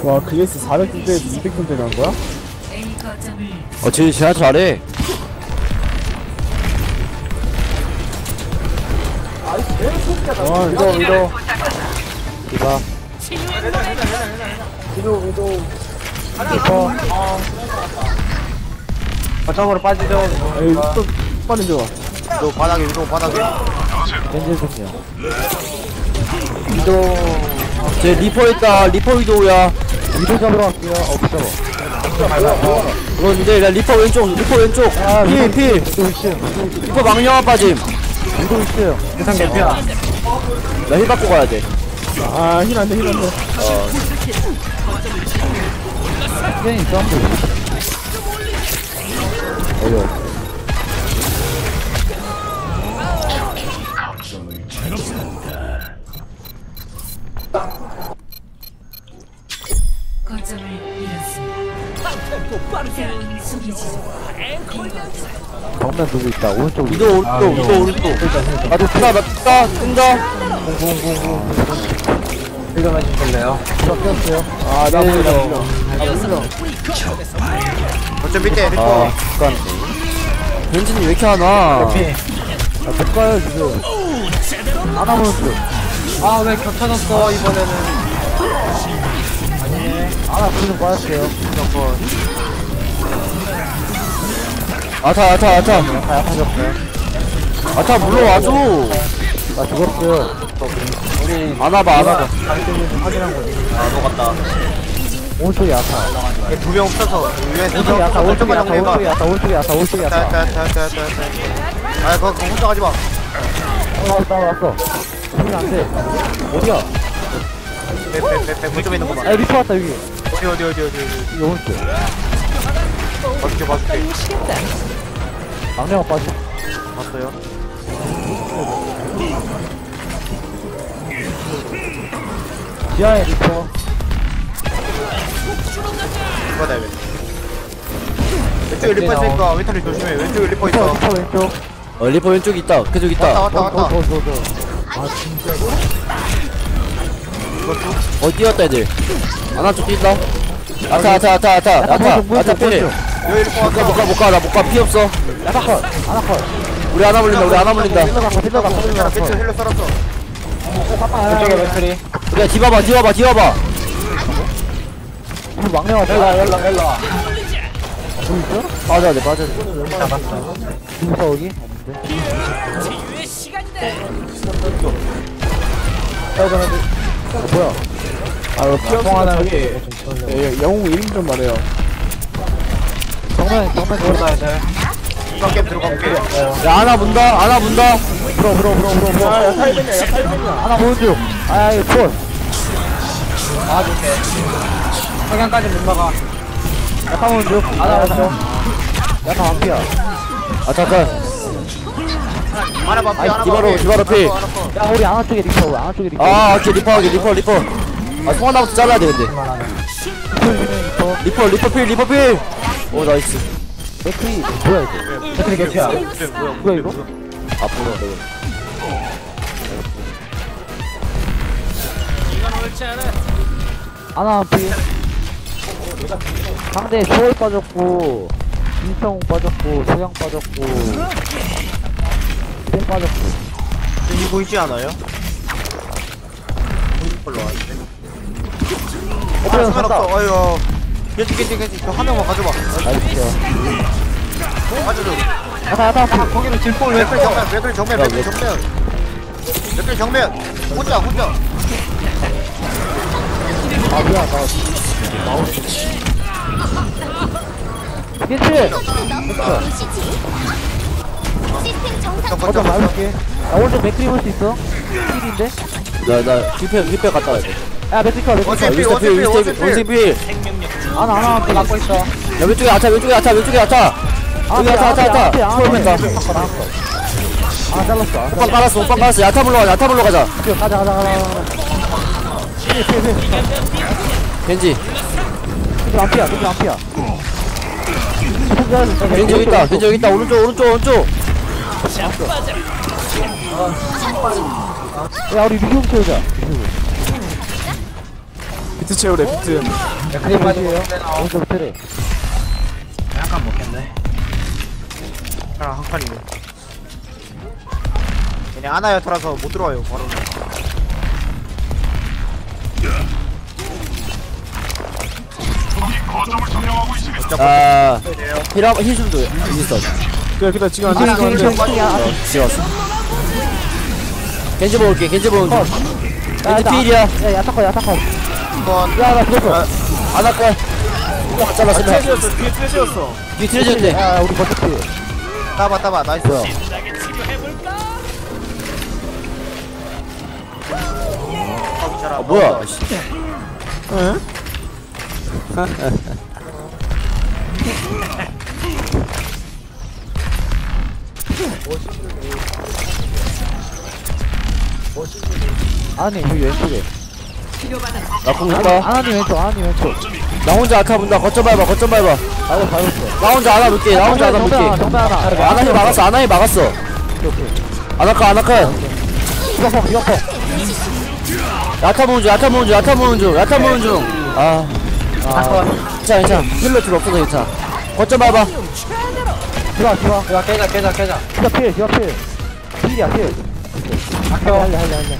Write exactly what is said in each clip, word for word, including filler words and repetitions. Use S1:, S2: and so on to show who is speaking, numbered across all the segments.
S1: 와 그레이스 사백 킬대 이백 킬대 난 거야?
S2: 어 쟤 진짜 잘해.
S1: 와 이거 이거
S2: 이봐.
S1: 이거 이거
S3: 이거 거점으로 빠지죠.
S1: 에이 또 빨리 줘.
S3: 또 바닥에 위로 바닥에
S1: 겐젤송이야.
S3: 위도
S2: 쟤 리퍼 있다. 리퍼 위도우야.
S1: 위도 잡으러 갈게요. 어 붙잡아.
S2: 그런데 나 리퍼 왼쪽. 리퍼 왼쪽. 필 필.
S1: 위도 있음.
S2: 리퍼 망령아 빠짐.
S1: 위도 있음.
S3: 세상 개피야.
S2: 나 힐 받고 가야 돼.
S1: 아힐 안돼 힐 안돼. 겐이 점프. 어려.
S4: 거점을 잃었습니다.
S1: 정면 누구 있다. 오른쪽
S2: 위도 오른쪽. 위도 오른쪽. 나도 뜬다. 나 뜬다. 뜬다.
S3: 이거 맞으실래요?
S1: 섞였어요. 아나
S2: 네,
S1: 보이다.
S2: 네.
S1: 나 보이다.
S3: 거점 밑에
S2: 아
S3: 리퍼
S2: 잠깐. 벤진이 왜 이렇게 하나?
S1: 못 가요 지금. 안 하면 돼.
S3: 아 왜 겹쳐졌어 이번에는.
S1: 아나 불좀 빠졌어요.
S2: 아타 아타 아타.
S1: 다 약하셨어요.
S2: 아타 물러와줘.
S1: 나 죽었어요.
S2: 안와봐 안와봐.
S3: 아 녹았다.
S1: 오른쪽이 야타.
S3: 두명 없어서 위에
S1: 오른쪽이 야타. 오른쪽이 야타.
S3: 해봐.
S1: 오른쪽이 야타. 오른쪽이 야타. 오른쪽이 야타.
S3: 자자자자자. 아 그거 그거 혼자 가지 마.
S1: 어, 나 왔어. 소리 안 돼. 어디야?
S3: 빼빼빼빼 거점에 있는 거만.
S1: 아, 리퍼 왔다, 여기.
S3: 어디 어디 어디 어디 어디.
S1: 여기 오른쪽.
S3: 봐줄게 봐줄게.
S1: 막내가 빠져.
S3: 봤어요.
S1: 지하에 리퍼.
S3: 이거 다 왼쪽에 리퍼 있으니까 왼쪽에 조심해. 왼쪽에 리퍼
S1: 리퍼,
S3: 있어.
S1: 리퍼 왼쪽.
S2: 어 리퍼 왼쪽 있다. 그쪽
S3: 왔다
S2: 있다.
S3: 왔다
S1: 더,
S3: 왔다.
S1: 더, 더, 더, 더. 아, 진짜.
S2: 어 뛰었다 애들. 아나 쪽 뛴다. 아타 아타 아타 아타 아타 아타 필.
S3: 여기 리퍼
S2: 못가
S3: 왔어.
S2: 못가 못가 나 못가 피 없어.
S1: 야타 컷, 하나 컷.
S2: 우리 하나 물린다. 우리 하나 물린다.
S1: 힐러 갖고, 힐러 갖고, 힐러
S3: 괜찮아
S1: 갖고.
S3: 괜찮아 힐러 썰었어.
S1: 왼쪽에 맥크리.
S2: 우리야 뒤봐봐 뒤봐봐 뒤봐봐.
S1: 이거 막내가 왔다.
S3: 열라 열라 열라.
S1: 누구 있어?
S2: 빠져야 돼 빠져야 돼.
S1: 누구 있어, 여기? 없는데. 어, 뭐야? 아, 이거 피어스가 저기. 예, 영웅 이름 좀 말해요. 정면, 정면 들어가야 돼.
S3: 이번 게임 들어갈게.
S2: 야 하나 문다 하나 문다.
S1: 불어, 불어, 불어, 불어, 불어. 야, 야, 타이밍이야, 야, 타이밍이야. 하나 보여줘 아, 이거 폰.
S3: 아 좋게. 석양까지 못 막아.
S1: 약간 보여줘 하나 왔어. 약간 완피야.
S2: 아 잠깐.
S3: 하나 봐.
S2: 아이,
S3: 하나 봐.
S2: 디바로, 디바로 피.
S1: 야, 우리 아나 쪽에 리퍼, 아나 쪽에 리퍼.
S2: 아 오케이 리퍼 하게 리퍼 리퍼. 아 송하나부터 잘라야 돼 근데.
S1: 리퍼.
S2: 리퍼 리퍼 필 리퍼 필. 오 나이스.
S1: 맥크리, 뭐야, 이거? 맥크리 개피야. 뭐야, 이거?
S2: 앞으로 내가.
S1: 아나 피. 상대 쇼이 빠졌고, 김성웅 빠졌고, 소양 빠졌고, 땡 빠졌고.
S3: 여기 보이지 않아요? 걸로 왔는데.
S1: 어,
S3: 아,
S1: 그래,
S3: 수면
S1: 간다.
S3: 없어. 어이구. 괜찮, 괜찮, 괜찮. 저한 명만 가져봐.
S1: 나이스요.
S3: 가져줘.
S1: 야타, 야타, 피.
S3: 거기는 질풍 맥클 정면, 맥클 정면, 맥클 정면. 맥클 정면. 혼자, 혼자.
S1: 아, 뭐야, 나. 괜찮지? 어쩜 나올게. 나 오른쪽 맥크리 볼 수 있어? 필인데?
S2: 나나 힐패 힐패 갔다 와야 돼.
S1: 야, 맥크리 컷, 맥크리
S3: 어째
S1: 컷.
S3: 필,
S2: 윈스터
S3: 어째
S2: 필
S3: 필,
S2: 윈스터
S3: 어째
S2: 필 원숭이 필.
S1: 아나, 아나, 그 막고 있어.
S2: 야 왼쪽에 아타 왼쪽에 아타 왼쪽에 아타. 여기 아타 아타 아타. 초월맨다.
S1: 아, 잘랐어. 아,
S2: 오빠 깔았어 오빠 깔았어. 야타 불러가자 야타 불러 가자.
S1: 가자, 가자, 가자, 가자. 필, 필, 필.
S2: 겐지.
S1: 필 안 피야, 필 안 피야.
S2: 겐지 여기 있다 겐지 여기 있다. 오른쪽 오른쪽 오른쪽.
S1: 야, 우리 리뷰 채우자. 비트 채우래 비트.
S4: 맥크리 빠지에요. 오른쪽 트레.
S3: 약간 먹겠네. 하나 한 칸이네. 그냥 아나여터라서 못 들어와요 바로.
S2: 아 힐 한번 힐 좀도 있어.
S1: 그래 그래 지금 안
S4: 아,
S1: 되는
S4: 힐,
S1: 건데.
S4: 힐, 힐, 힐.
S2: 지웠어. 겐지 먹을게. 겐지 먹은 중.
S4: 야,
S2: 겐지
S4: 나-
S2: 필이야.
S4: 야, 야타커, 야타커.
S3: 한번
S4: 야, 나 죽었어.
S2: 안 할걸. 잘랐으면
S1: 트레지였어 뒤에 트레지였어.
S2: 뒤 트레지인데.
S4: 야, 우리 버티피.
S3: 따봐 따봐 나이스.
S4: 뭐야?
S2: 아 뭐야? 씨.
S1: 응?
S4: 아니, 여기 왼쪽에.
S2: 나공 있다.
S4: 아니, 왼쪽, 아니, 왼쪽.
S2: 나 혼자 아타 본다. 거점 밟아. 거점 밟아.
S4: 나도 밟았어.
S2: 나 혼자 안아 볼게. 나 혼자 안아 볼게.
S4: 정배 하나, 정배 하나.
S2: 아나히 막았어. 아나히 막았어.
S4: 오케이, 오케이.
S2: 아나카 아나카.
S4: 이거펑, 이거펑.
S2: 야타 모은 중. 야타 모은 중. 야타 모은 중. 야타 모은 중. 아. 아. 괜찮아 괜찮아. 힐러 필요 없어서 괜찮아. 거점 밟아.
S4: 들어와, 들어와.
S3: 야 깨자 깨자 깨자.
S4: 디가 필, 디가 필. 필이야, 필. 할래, 할래, 할래, 할래.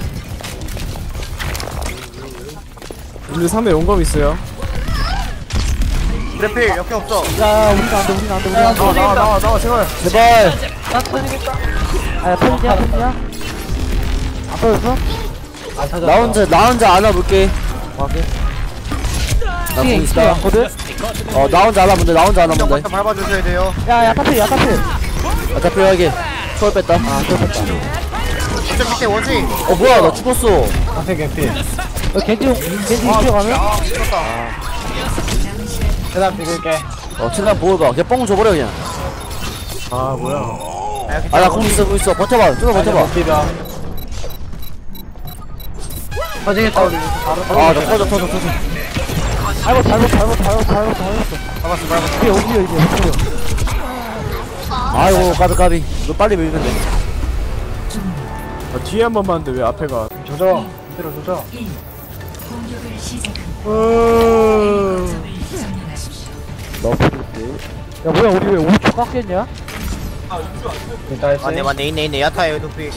S1: 우리 상대 용검 있어요.
S3: 그래필 역행 없어.
S4: 야, 우리가 안 돼, 우리가 안 돼, 우리가 안 돼.
S1: 나와 나와 나와 나와 제발.
S2: 제발.
S4: 아, 야, 편이야, 편이야? 안 터졌어?
S2: 나 혼자 나 혼자 안아 볼게.
S4: 오케이.
S2: 나공
S4: 층에
S2: 있다.
S4: 왔거든?
S2: 어 나 혼자 안아 본다. 나 혼자 안아 본다.
S3: 먼저 밟아주셔야 돼요.
S4: 야, 야타필, 야타필.
S2: 야타 필요하게. 초월 뺐다.
S4: 아, 터졌다.
S3: 어차피 밑에 원숭이.
S2: 어 뭐야 나 죽었어.
S3: 원숭이 개필.
S4: 어, 겐지, 겐지 이쪽 가면?
S3: 아 죽었다. 계단 비길게.
S2: 어 최대한 보호봐. 그냥 뻥 줘버려 그냥.
S1: 아 뭐야.
S2: 아 나 공 있어 공 있어. 버텨봐. 좀 버텨봐.
S3: 터지겠다 우리.
S2: 아나 터져 터져 터져.
S4: 잘못, 잘못, 잘못, 잘못, 잘못, 잘못.
S3: 밟았어 밟았어.
S4: 이게 어디야, 이게 어디야.
S2: 아이고 까비 까비. 너 빨리 밀면 돼.
S1: 아, 뒤에 한 번 봤는데 왜 앞에 가?
S3: 조져. 뒤로 조져.
S5: 공격을 시작합니다.
S4: 너프리스. 야, 뭐야, 우리 왜 오 초 깎였냐?
S3: 맞네 맞네 있네 있네 야타예요 눈빛.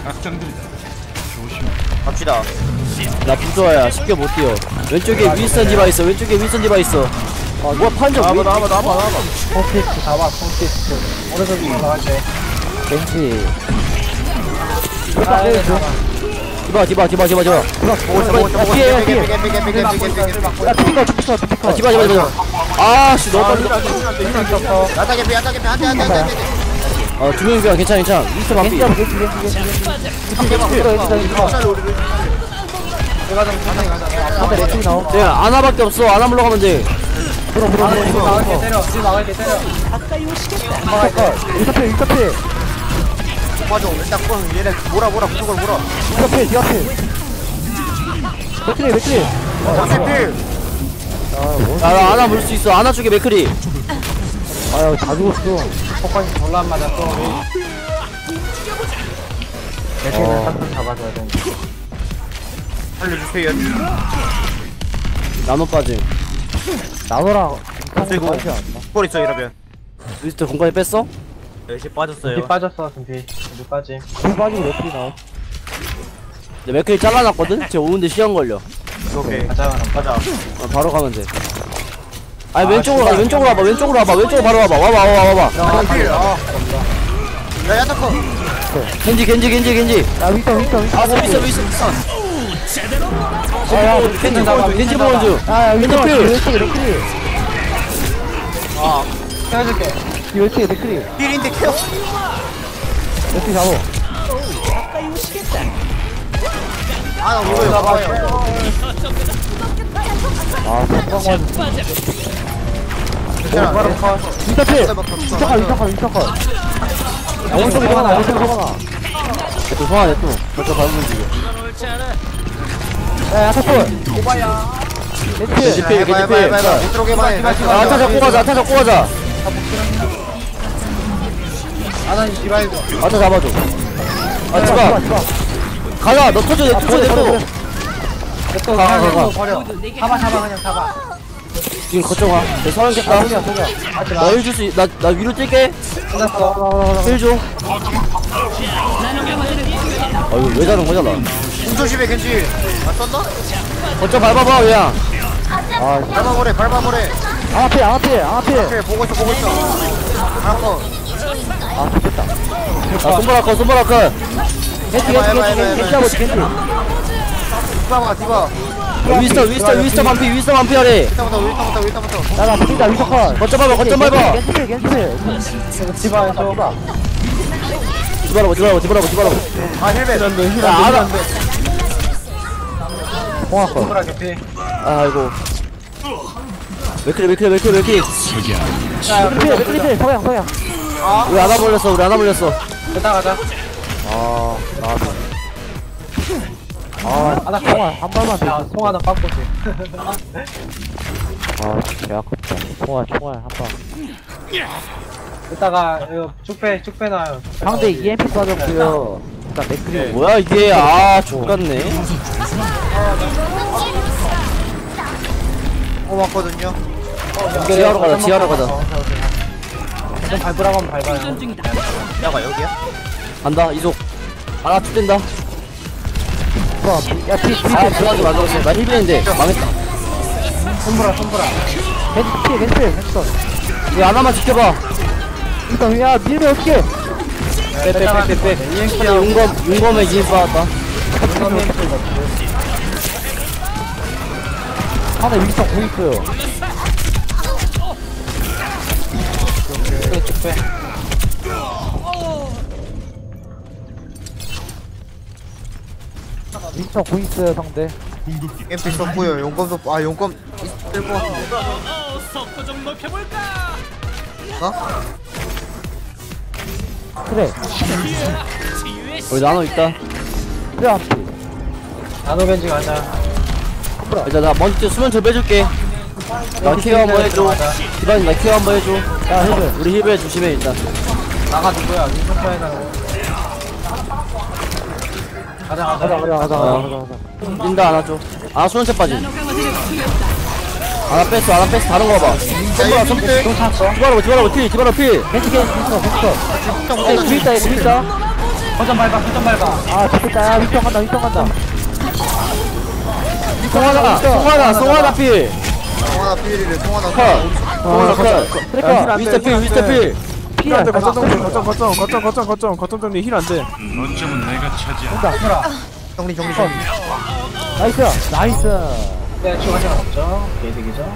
S3: 갑시다.
S2: 나 부조야. 쉽게 못 뛰어. 왼쪽에 윈스턴 디바 있어. 왼쪽에 윈스턴 디바 있어. 아 뭐야 판정
S1: 나와봐
S2: 왜?
S1: 나와봐 나와봐 나와봐.
S4: 콘테스트 잡아, 콘테스트. 오른쪽이 이상한데. 겐지.
S3: 아, 네,
S2: 디바 디바 디바 디바 디바.
S3: 야
S2: 뒤에, 뒤에.
S4: 야, 피가, 피가, 피가.
S2: 아 디바 디바 디바. 아씨 너무 빨리.
S3: 야타 개피 야타 개피 안돼 안돼 안돼.
S2: 어두 명이야. 괜찮아 괜찮아. 윈스턴 반피.
S4: 겐지야, 겐지, 겐지, 겐지, 겐지. 이거, 이거, 이거.
S3: 내가 좀 천천히 가자.
S4: 앞에 레킹 나옴.
S2: 네 아나밖에 없어. 아나 물러가면 돼.
S4: 들어, 들어, 들어.
S3: 우리 막을게 때려. 우리 막을게 때려.
S4: 이카필, 이카필.
S3: 맞아. 일단 꼭 얘네 몰아 몰아 무조건 몰아.
S4: 이카필, 이카필. 맥크리, 맥크리.
S3: 개필.
S2: 야나 아나 물 수 있어. 아나 쪽에 맥크리.
S4: 아유, 다 죽었어.
S3: 폭발이 졸라 안 맞았어 우리.
S4: 맥크리는
S3: 딱 잡아줘야 돼. 살려주세요.
S2: 나노 빠짐.
S4: 나노랑
S3: 그리고
S4: 빠지지 않나?
S3: 볼 있어 이러면.
S2: 윈스턴 공간에 뺐어?
S3: 열심히 빠졌어요.
S6: 빠졌어 준비 준비 빠짐.
S4: 불 빠지고 맥크리 나옴.
S2: 내 맥크리 잘라놨거든? 쟤 오는데 시간 걸려.
S3: 오케이.
S6: 가자
S3: 가자.
S2: 어, 바로 가면 돼. 아니 왼쪽으로 가. 왼쪽으로 와봐. 왼쪽으로 와봐. 왼쪽으로 바로 와봐. 와봐 와봐 와봐.
S3: 개필. 아. 야 야타커.
S2: 겐지 겐지 겐지 겐지.
S4: 야, 윈터, 윈터, 윈터.
S2: 아 윈스턴 윈스턴 윈스턴.
S4: 야, 야,
S2: 겐지 보는 중. 겐지 보는 중.
S4: 아, 야, 윈터,
S2: 필.
S4: 왼쪽에 맥크리.
S3: 아. 해줄게.
S4: 이 왼쪽에 맥크리.
S3: 필인데 케어.
S4: 맥크리 잡어.
S3: 아나 이거 봐봐요.
S4: 아, 성광 맞았어.
S3: 괜찮아.
S4: 윈터 필. 윈터 컷, 윈터 컷, 윈터 컷. 야, 오른쪽에 소방아, 오른쪽에 소방아.
S2: 또 소환해 또. 벌써 밟으면 지금.
S4: 야, 야타콜. 오바야. 겐지.
S2: 겐지 필 겐지 필.
S3: 못 들어오게 봐.
S2: 아, 아타 잡고 가자. 아타 잡고 가자.
S3: 아나님 디바이드.
S2: 아타 잡아줘. 아
S4: 야,
S2: 집아.
S4: 집어.
S2: 가자. 너 터져. 내 터져. 내 터져.
S6: 또
S2: 가, 가, 가.
S6: 그냥 버려. 잡아 잡아 그냥 잡아.
S2: 지금 거점 와. 내 서른 겠다.
S6: 아, 소리야 소리야. 하지 마.
S2: 나 힐 줄 수, 나, 나 위로 뛸게.
S6: 끝났어.
S2: 힐 줘. 아, 이거 왜 자는 거냐, 나.
S3: 공 조심해 겐지. 아 썼나?
S2: 거점 밟아봐, 그냥.
S4: 아
S3: 밟아보래 밟아보래.
S4: 안 앞에 안 앞에 안 앞에
S3: 오케이 보고 있어 보고 있어. 하나 컷.
S4: 아 좋겠다
S2: 아, 손바닥 컷, 손바닥 컷.
S4: 겐지 겐지
S3: 해봐, 해봐,
S4: 겐지 겐지
S3: 해봐,
S4: 겐지 겐지
S3: 디바가 디바.
S2: 위스터, 위스터, 위스터 반피, 위스터 반피 하래.
S3: 일단부터 일단부터 일단부터.
S4: 나나 보인다 위서컷
S2: 거점 밟아, 거점 밟아.
S4: 겐지 필 겐지 필
S6: 집안에서
S2: 뒤바라고, 뒤바라고, 뒤바라고, 뒤바라고.
S3: 아 헬멧.
S2: 야, 알아.
S4: 공화컷
S6: 손가락 개피.
S2: 아이고. 맥크리, 맥크리, 맥크리, 맥크리.
S4: 맥크리 필 맥크리 필 서양 서양
S2: 우리 하나 몰렸어, 우리 하나 몰렸어.
S6: 됐다 가자.
S4: 아 나왔다 아
S6: 하나
S4: 통화 한 발만
S6: 야,
S4: 더
S6: 송 하나 빡고지.
S4: 아 개 아깝다 통화 총알 한방
S6: 이따가 이거 쭉빼 쭉 빼놔요.
S4: 상대 이엠피 빠졌고요 일단 맥크리
S2: 뭐야, 이게. 아, 족같네.
S3: 어 맞거든요.
S2: 지하로 가자, 지하로 가자.
S6: 좀 밟으라고 하면 밟아요.
S3: 야가 여기야?
S2: 간다, 이속. 하나 툭 뗀다.
S4: 야피 피
S2: 아, 들어가게 만들었어. 나 힐빈인데. 망했다.
S6: 손보라 손보라.
S4: 겐지 필 겐지 필 겐지 컷
S2: 이 하나만 지켜봐.
S4: 일단 야 밀면 어떡해
S2: 빼빼빼빼빼. 용검, 용검에 이인 받았다.
S4: 하나 위성 공 있어요
S6: 쭉 빼.
S4: 위성 공 있어요 상대
S3: 엠피 썼고요. 용검도 아 용검 있을 것 같은데. 어?
S4: 그래
S2: 우리 나노 있다.
S4: 그래 앞에
S6: 나노 벤지 가자.
S2: 일단 나 먼저 수면 저 빼줄게. 나 케어 한번 해줘. 기반이 나 케어 한번 해줘.
S4: 야 힐을
S2: 우리 힐베 조심해, 일단.
S6: 나가 누구야? 위쪽 빼놔. 가자 가자.
S4: 가자 가자 가자
S2: 어.
S4: 가자 가자
S2: 린다 안아줘. 아, 수면차 빠짐. 하나 뺐어, 하나 뺐어. 다른 거 봐봐.
S3: 야 이거 밑에.
S6: 또 찼어.
S2: 디바라고, 디바라고, 피, 디바라 피.
S4: 겐지 겐지 겐지 컷 겐지 컷 길 있다 길 있다
S6: 거점 밟아 거점 밟아.
S4: 아 좋겠다 야 위성 간다 위성 간다
S2: 송하나, 송하나, 송하나 피.
S3: 통화나 피리를 통화나.
S2: 컷. 송하나 컷.
S4: 트래커
S2: 미스터 피, 미스터 피.
S4: 피야
S1: 거점 정리 거점 거점 거점 거점 거점 거점 정리 힐 안돼.
S4: 온다
S3: 정리 정리 정리.
S4: 나이스 나이스
S6: 네, 추가시간 없죠. 개득이죠.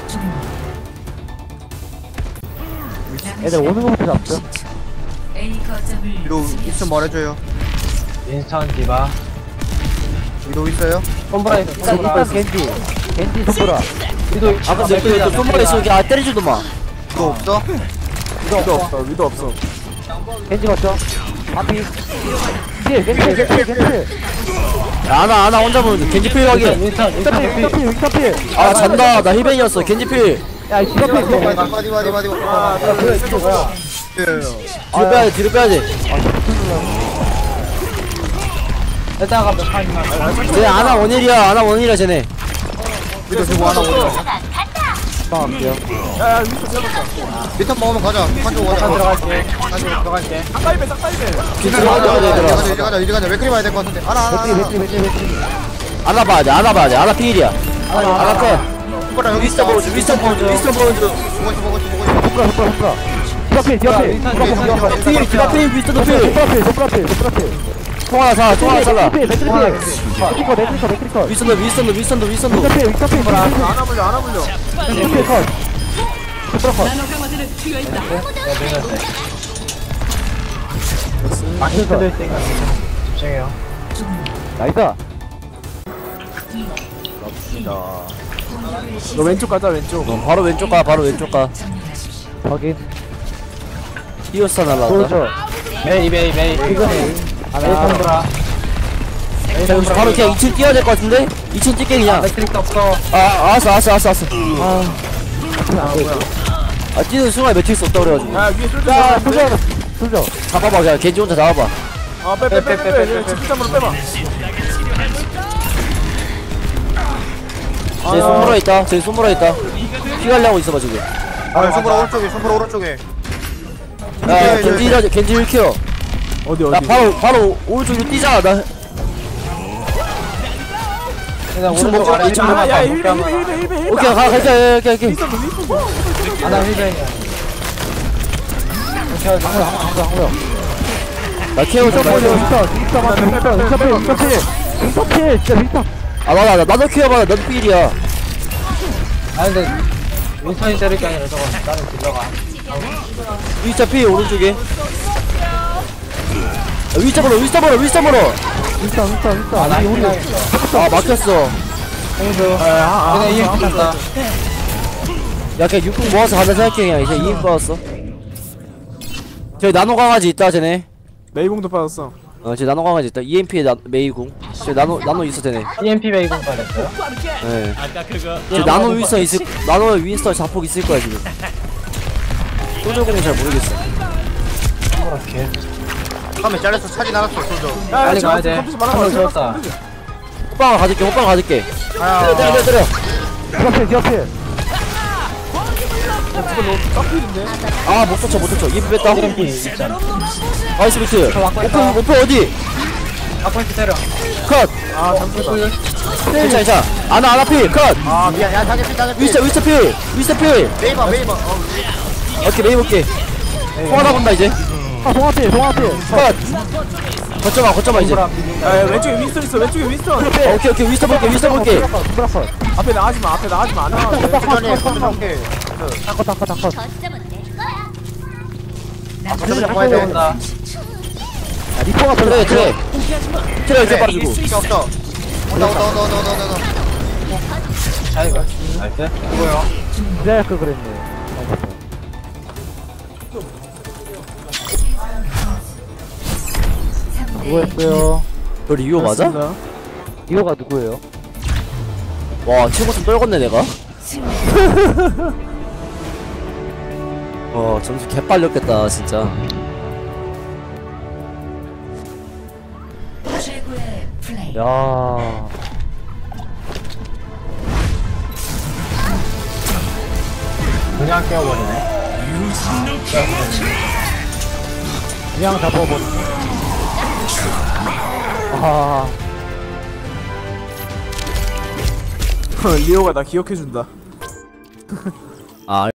S4: 애들 오는 거부터 잡죠
S5: A 거점을
S3: 위도 있으면 말해줘요.
S6: 인스턴 디바.
S3: 위도 있어요?
S6: 손보라 있어.
S4: 일단
S6: 손보라.
S4: 일단 겐지 겐지 손보라
S6: 위도
S2: 아, 근데 또, 또, 손발에 있어. 아, 때리지도 마.
S3: 위도 없어?
S1: 위도 없어 위도 없어.
S4: 겐지 맞죠 앞이 필 겐지 필 겐지 필 겐지 필
S2: 야, 아나, 아나 혼자 보는 겐지 필 확인.
S6: 인스턴
S4: 윈터 필
S6: 인스턴
S4: 윈터
S6: 피.
S4: 필 윈터 필
S2: 아, 잔다. 나 힐벤이었어. 겐지 필.
S4: 야 이 디바 필
S3: 디바
S4: 디바
S3: 디바 디바 디바 디바.
S6: 아, 그래 이거 뭐야?
S2: 뒤로 빼야 돼, 뒤로 빼야 돼.
S6: 이따가 몇 판이나.
S2: 쟤 아나 원일이야, 아나 원일이야, 쟤네.
S3: 위도 지금 하나 오죠.
S4: 필
S1: 야야 위도 잡았다.
S3: 리턴 먹으면 가자. 한쪽 가자.
S6: 한 들어갈게. 한 들어갈게.
S1: 쌍따이배 쌍따이배.
S2: 뒤 들어가야 돼,
S3: 이제
S2: 얘들아.
S3: 가자 이제 가자 이제 가자. 맥크리 봐야 될 것 같은데. 하나 하나
S4: 맥크리
S3: 하나.
S4: 맥크리 맥크리 맥크리
S2: 아나 봐야 돼, 아나 봐야 돼. 아나 필이야. 아나 컷.
S3: 손가락 여기
S2: 위스터
S3: 있어.
S2: 보여줘, 위스터 보여줘, 위스터 보여줘.
S3: 보고 있어 보고 있어 보고 있어.
S4: 손보라 손보라 손보라 디바 필 디바 필
S6: 인스턴
S3: 오케이,
S6: 인스턴
S3: 오케이,
S6: 인스턴.
S2: 필, 기가 필, 위스터도 필.
S4: 손보라 필 손보라 필 손보라 필
S2: 통 하나 사, 통 하나 살라.
S4: 맥크리 필 맥크리 필 맥크리 컷 맥크리 컷 맥크리 컷
S2: 위스턴도, 위스턴도, 위스턴도, 위스턴도.
S4: 윈터 필 윈터 필 손보라
S1: 안 아물려 안 아물려.
S4: 필 컷 손보라 컷
S6: 마킹 뜯을 때가 집중해요.
S4: 나이스
S1: 너 왼쪽 가자 왼쪽.
S2: 어, 바로 왼쪽 가, 바로 왼쪽 가.
S4: 확인
S2: 히오스타 날라왔다.
S4: 보여줘
S6: 메이 메이 메이.
S4: 이거네
S6: 메이
S4: 하나
S6: 손보라. 메이
S2: 자, 우리
S6: 손보라.
S2: 바로 그냥 이 층 뛰어야 될 것 같은데? 이 층 뛸게, 그냥.
S6: 매트릭스 없어.
S2: 아, 알았어, 알았어, 알았어, 알았어. 아,
S4: 뭐야
S2: 아, 뛰는 순간에 매트릭스 없다 그래가지고.
S1: 야 위에 쏠져.
S4: 야 솔져 솔져
S2: 잡아봐, 그냥. 겐지 혼자 잡아봐.
S1: 아빼빼빼빼 집중점으로 빼봐.
S2: 쟤 손보라 있다. 쟤 손보라 있다. 피 갈려고 있어봐 지금.
S3: 아 손보라 오른쪽에 손보라 오른쪽에
S2: 야 겐지 일 겐지 일 켜.
S1: 어디
S2: 나
S1: 어디
S2: 바로 바로 오른쪽으로 뛰자. 나
S6: 일단
S2: 이층
S6: 오른쪽
S2: 먹자,
S6: 아래
S2: 이층
S6: 일반
S2: 먹자.
S1: 야야
S6: 먹자,
S1: 힐베
S6: 먹자.
S1: 힐베 힐베 힐베 힐베
S2: 오케이 가 갈게 갈게 갈게.
S6: 아나 힐벤이야. 오케이 방금 방금 방금.
S2: 나 케어 좀
S1: 윈스턴
S2: 해줘.
S1: 윈스턴 윈스턴 윈스턴 윈스턴 윈스턴 윈스턴 필 진짜 윈스턴
S2: 아 맞아 나 나도 케어 받아. 나도 필이야.
S6: 아 근데 윈스턴이 때릴 게 아니라 저거 나는 딜러가.
S2: 위자 피 오른쪽에. 아, 위자 보러 위자 보러 위자 보러.
S1: 윈스턴 윈스턴 윈스턴
S6: 아나
S1: 아니,
S6: 힐벤.
S2: 아 막혔어.
S6: 홍수.
S1: 아,
S6: 그냥 이엠피 탔다.
S2: 야 그냥 육군 모아서 가자 생각해. 그냥 이제 이인 받았어. 저기 나노 강아지 있다 쟤네.
S1: 메이공도 빠졌어
S2: 어, 쟤 나노 강아지 있다. 이엠피에 나, 메이궁. 쟤 나노 나노 있어 쟤네.
S6: 이엠피 베이컨 받았어요.
S2: 예. 쟤 나노 윈스턴 있을 나노 윈스턴 자폭 있을 거야 지금. 소저공은 잘 모르겠어.
S6: 오케이.
S3: 화면 잘려서 차진 않았어 소저
S6: 빨리 가야 돼.
S1: 컴퓨터 말아
S6: 한번 들었다.
S2: 호빵을 가질게. 호빵 가질게.
S3: 아
S2: 때려 때려 때려.
S1: 디어필 디어필
S2: 아못 쫓쳐 못 쫓쳐. 이엠피 뺐다.
S6: 이엠피 있잖아.
S2: 나이스 비트. 오픈 오픈 어디?
S6: 아포인트 때려.
S2: 컷.
S1: 아 잠깐만
S2: 괜찮아 괜찮아. 아나 아나 피 컷.
S3: 아 미안 야 자기 피 자기 피
S2: 위스터 위스터 피 위스터 피.
S3: 메이버 메이버 어
S2: 오케이 메이 볼게. 통하다 본다 이제.
S1: 아 동아필 동아필
S2: 컷. 거쳐봐 거쳐봐 이제.
S1: 야 왼쪽에 윈스턴 있어 왼쪽에 윈스턴
S2: 어, 오케이 오케이 위스터 볼게 위스터 볼게.
S1: 앞에 나가지마 앞에 나가지마 안 나가도 돼
S3: 소전이 소전이
S1: 닦아 닦아 닦아
S3: 소전 잡고 해야 돼
S6: 온다.
S1: 리퍼가 별로
S2: 트레 트레. 트레 이렇게 빠지고.
S3: 필요 없어 온다 온다 온다 온다 온다 온다
S6: 자이가. 나이스. 누구요?
S1: 기다릴 걸 그랬네 누구였어요?
S2: 너 리오 맞아?
S1: 리오가 누구예요?
S2: 와 최고 좀 떨궜네 내가. 어 점수 개빨렸겠다 진짜.
S5: 최고의 플레이.
S1: 야
S6: 그냥 깨워버리네.
S1: 그냥 잡아버리네 아 리오가 나 기억해준다
S2: 아